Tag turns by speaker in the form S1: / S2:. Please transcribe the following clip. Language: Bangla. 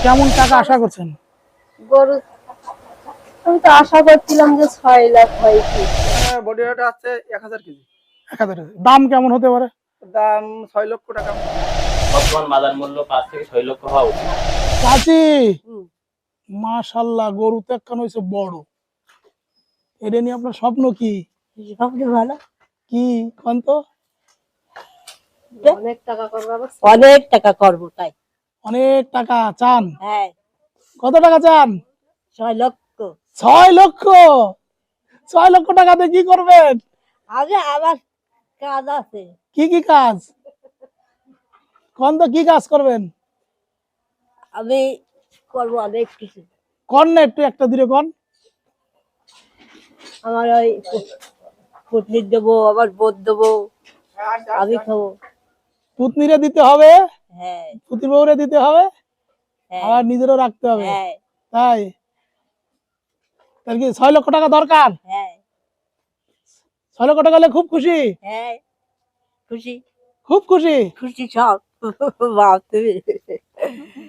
S1: কেমন টাকা আশা করছেন?
S2: গরু আমি তো আশা করছিলাম যে 6 লাখ হয় কি।
S3: বডি ওয়েট আছে 1000 কেজি।
S1: 1000 দাম কেমন হতে পারে?
S3: দাম 6 লক্ষ টাকা।
S4: বর্তমান বাজার মূল্য 5 থেকে 6 লক্ষ হওয়া উচিত।
S1: চাচি
S2: হুম।
S1: মাশাআল্লাহ, গরু তো একখান হয়েছে বড়। এটা নিয়ে আপনার স্বপ্ন কি?
S2: সবচেয়ে ভালো
S1: কি কোন তো?
S2: অনেক টাকা করবো, অনেক টাকা করবো তাই।
S1: অনেক টাকা চান?
S2: হ্যাঁ,
S1: কত টাকা চান?
S2: 6 লক্ষ।
S1: 6 লক্ষ? 6 লক্ষ টাকাতে কি করবেন?
S2: আগে আবার কাজ আছে।
S1: কি কি কাজ? কোন তো কি কাজ করবেন?
S2: আমি করবো অনেক কিছু।
S1: কোন না একটু একটা দিলে কোন।
S2: আমার ওই পুতনির দেবো, আবার বোধ দেবো, আমি খাবো।
S1: পুতনিরে দিতে হবে,
S2: হ্যাঁ
S1: পুতির বউরে দিতে হবে,
S2: হ্যাঁ
S1: আবার নিজেরও রাখতে হবে।
S2: হ্যাঁ
S1: তাই তার কি 6 লক্ষ টাকা দরকার?
S2: হ্যাঁ
S1: 6 লক্ষ টাকা হলে খুব খুশি?
S2: হ্যাঁ, খুশি
S1: খুব খুশি।
S2: খুশি সব। বাপ তুমি